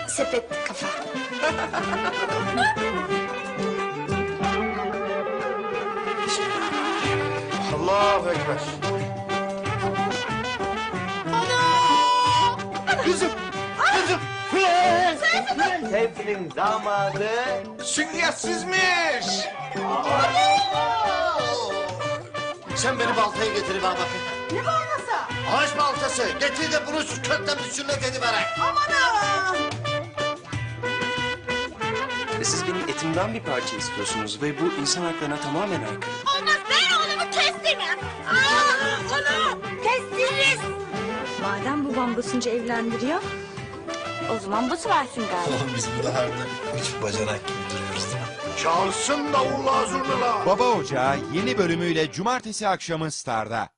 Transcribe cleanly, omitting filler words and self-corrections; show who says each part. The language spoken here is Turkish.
Speaker 1: sepet kafa.
Speaker 2: Allahu Ekber. Kızım! Kızım!
Speaker 3: Tevfil'in damadı.
Speaker 2: Sünniyersizmiş! Sen beni baltayı getir bana bakayım.
Speaker 1: Ne baltası?
Speaker 2: Ağaç baltası. Getir de bunu şu kökten bir sünnet ediveren.
Speaker 4: Siz benim etimden bir parça istiyorsunuz ve bu insan haklarına tamamen aykırı.
Speaker 1: Olmaz, ben oğlumu kestirmem. Onu kestiririz. Madem babam basınca evlendiriyor, o zaman bası versin galiba.
Speaker 5: Oğlum biz bu daharda üç bacanak gibi duruyoruz değil mi?
Speaker 2: Çalsın davullar zurnalar.
Speaker 6: Baba Ocağı yeni bölümüyle cumartesi akşamı Star'da.